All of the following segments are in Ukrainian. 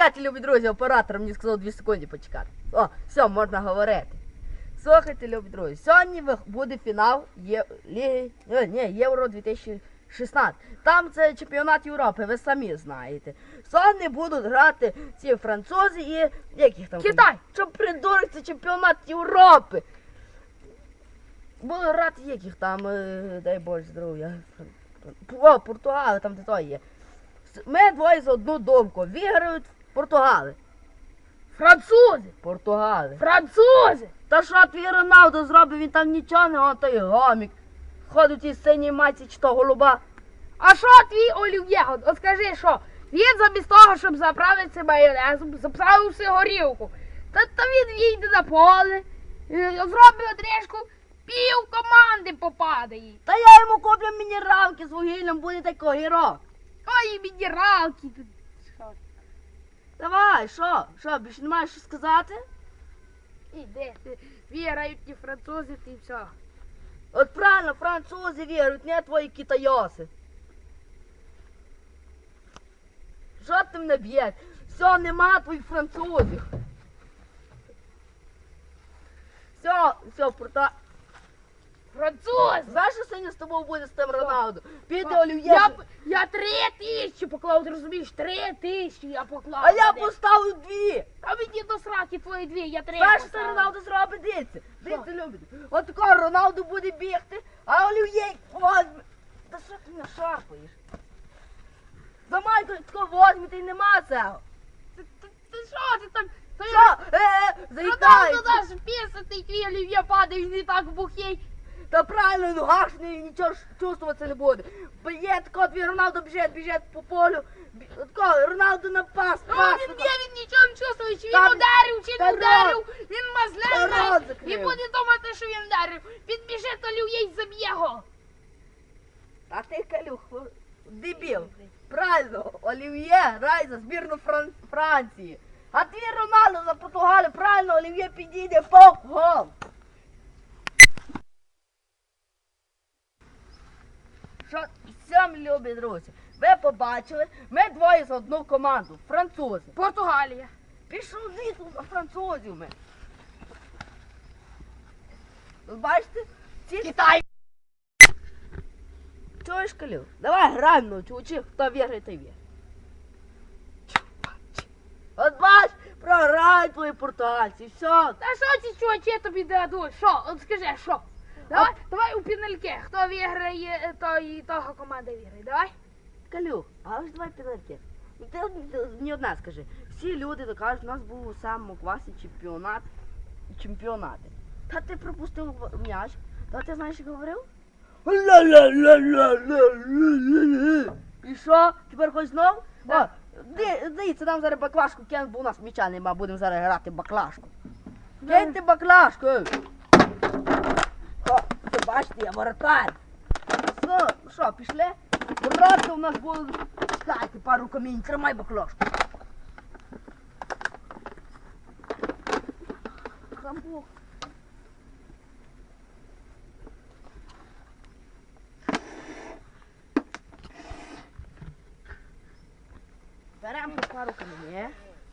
Почекайте, любі друзі, оператор мені сказав 2 секунди почекати. О, все, можна говорити. Слухайте, любі друзі, сьогодні буде фінал Євро 2016. Там це чемпіонат Європи, ви самі знаєте. Сьогодні будуть грати ці французи і яких там? Китай! Що придурок, це чемпіонат Європи. Будуть грати яких там, дай Боже здоров'я. О, Португали, там де то є. Ми двоє за одну думку. Виграють Португали. Французи! Португали. Французи! Та що твій Роналдо зробив, він там нічого не, он той гомік. Ходить із синій майці чи то голуба. А що твій Олів'є? От скажи, що? Він замість того, щоб заправитися майонезом, заправився горілку. Та він їде на поле, зробить отрижку, пів команди попадає. Та я йому куплю мінералки з вугіллям, буде такий огірок. Ой, мінералки. Давай, що? Що, більше не маєш що сказати? Іди, віграють ті французи, і все. От правильно, французи вірують, не твої китайоси. Що ти мене б'єш? Все, нема твоїх французів. Все, Француз! Знаєш, що сьогодні з тобою буде з тим Роналдо? Піде Олів'є. Я 3000 поклав, ти розумієш? 3000 я поклав. А я поставив 2. А мені до сраки твої 2, я 3 Знаєш, що поставив. Роналдо зробить? Дивіться. Дивіться, любите. От такого Роналдо буде бігти, а Олів'є возьме. Та що ти мене шарпаєш? Замай такого возьмете і нема цього. Ти що ти там? Що? Роналдо Заїдається. наш пісатий, твій Олів'є падає, він і так бухий. Та правильно, ну гашний, нічого ж чувствуватися не буде. Б'є тако, твій Роналдо біжить по полю. Тако, Роналдо на пас. Він нічого не чувствує, чи він Там- ударив, чи та не рот- ударив. Він та мазляє рот і закрив. буде думати, що він ударив. Підбіжить Олів'є і заб'є його. А ти, Калюх, дебіл. Правильно, Олів'є грає за збірну Франції. А твій Роналдо за Португалію, правильно, Олів'є підійде по гол. Що, все, мої любі друзі, ви побачили, ми двоє за одну команду, французи. Португалія. Пішов звідси на французів ми. Ви бачите? Ці... Китай. Чуєш, Калюх? Давай граємо, чувачі, хто віграє, той віграє. От бач, програють твої португальці, все. Та що ці чувачі тобі дадуть? Що? От скажи, що? Давай у пінальки. Хто виграє, того команда виграє. Давай. Калюх, а ось давай пенальті. Ти мені одне скажи. Всі люди докажуть, у нас був у самому класі чемпіонати. Та ти пропустив м'яч. Та ти знаєш, як говорив? І що? Тепер хоч знов? Да. Дивіться, нам зараз баклажку кинуть, бо у нас м'яча нема, будемо зараз грати баклажку. Киньте баклажку! О, ти бачите, я воротар. Що, пішли? Ворота у нас будуть. Чекайте, пару камінь, тримай баклажку. Хамбук. Беремо пару камінь.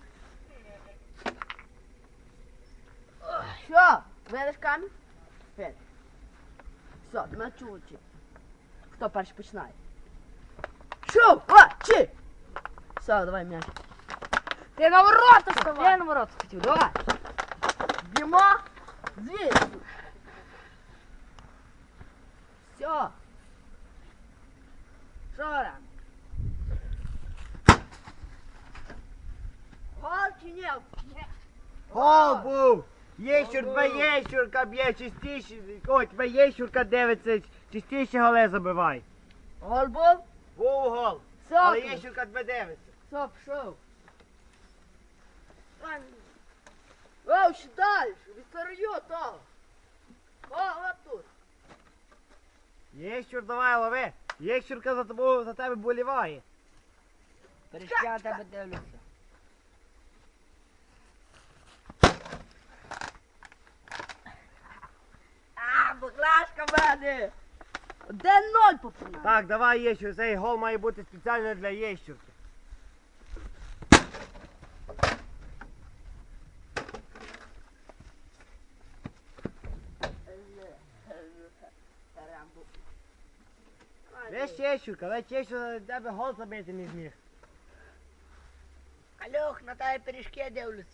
Що? Видиш камінь? Видиш. Все, на чувачі. Хто перший починає? Чувачі! Все, давай м'яч. Ти на ворота вставай. Я на ворота хотів, давай. Б'ємо звідси. Все. Що там? Гол чи ні? Гол був! Єщур, два Єщурка б'є частіше, ой, два Єщурка дивиться, частіше голи забивай. Гол був? Був гол, Все, але Єщурка тебе дивиться. все, пішов. О, ще далі, відстарою того. О, от тут. Єщур, давай лови. Єщурка за тобою, за тебе боліває. Перейшли, я тебе дивлюся. Баклажка в мене! 1-0 попинає. Так, давай Єщур, цей гол має бути спеціально для Єщурки. Лесь Єщурка, Лесь Єщурка, тебе гол забити не зміг. Кальох, на тебе пиріжки дивляться.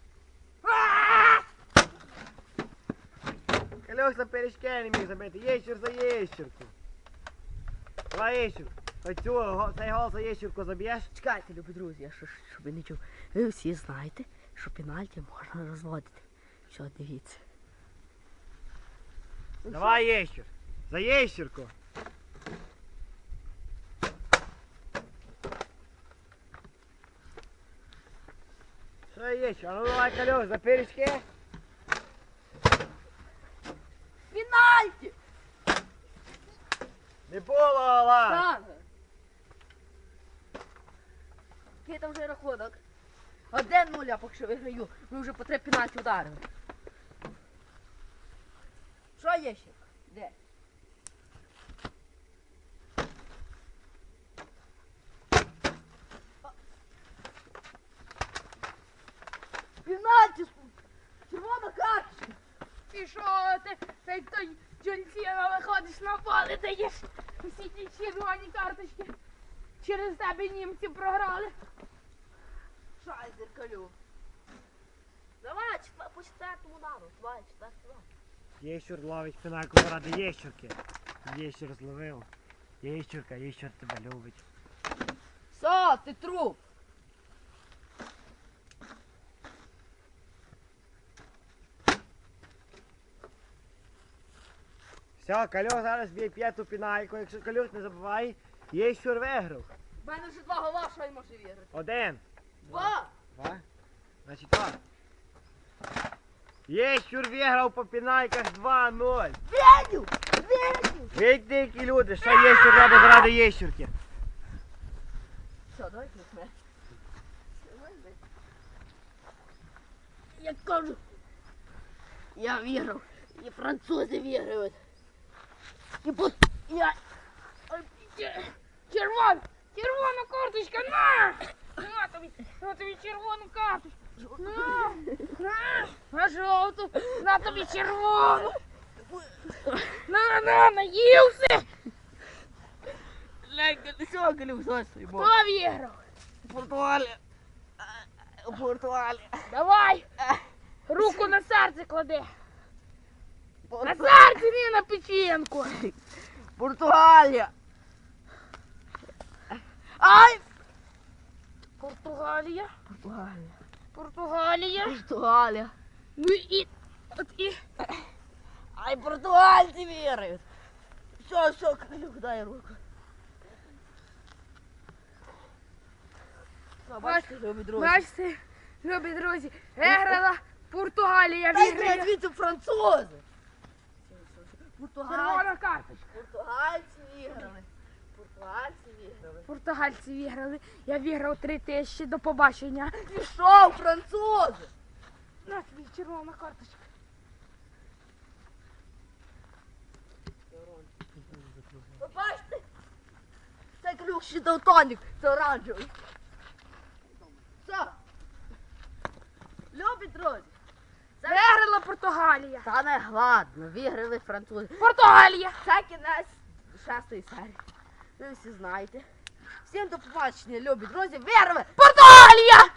Кальох за пиріжки не міг забити, Єщур за Єщурку. Давай Єщур, цей гол за Єщурку заб'єш? Чекайте, любі друзі, я щоб ви не чув. Ви всі знаєте, що пенальті можна розводити. Все, дивіться. Давай Єщур, за Єщурку. Що Єщур, а ну давай Кальох за пиріжки. Пенальті! Не було гола. Так. Який там вже рахунок? 1-0, я поки що виграю. Ми вже по 3 пенальті ударили. Що є ще? Де? Пенальті! Червона карточка! І що ти як той Джонсіна виходиш на поле, даєш всі ті червоні карточки. Через тебе німці програли. Шайзер, Калю. Давай, по четвертому удару. Давай, четвертий удар. Єщур ловить пенальку заради Єщурки. Єщур зловив. Єщурка, Єщур тебе любить. Все, ти труп. Все, Кальох зараз б'є п'яту пенальку. Якщо Кальох не забуває, Єщур виграв. У мене вже 2 гола, що й може вірити. 1. 2. 2. Значить 2. Єщур виграв по пенальках 2-0. Веню! Веню! Видите, які люди, що Єщур робить заради Єщурки. Все, давай кликне. Я кажу, я виграв. І французи виграють. І по... Я... Червона карточка, на тобі червону карточку. На жовту, на тобі червону. Наївся. Все, Галюк, давай свій Хто бок. виграв? Португалія. Португалія. Давай, руку на серце клади. На Порту- серце, не на печінку. Португалія. Ай! Португалія, Португалія. Португалія. Португалія. Ну і Ай, португальці виграють. Все, Галюк, дай руку. Все, бачите, любі друзі. бачите, любі друзі, виграла Португалія, Дай виграє. звідси французи. Португальці. Червона карточка. Португальці виграли. Португальці виграли. Португальці виграли. Я виграв 3000, до побачення. Пішов, французи. На тобі червона карточка. Ви бачите? Це ключ ще Далтонік, це оранжевий. Все. Любі друзі. Виграла Португалія. Та не гладно, виграли французи. Португалія. Це кінець 6-ї серії. Ви всі знаєте. Всім до побачення, любі друзі. Виграли! Португалія.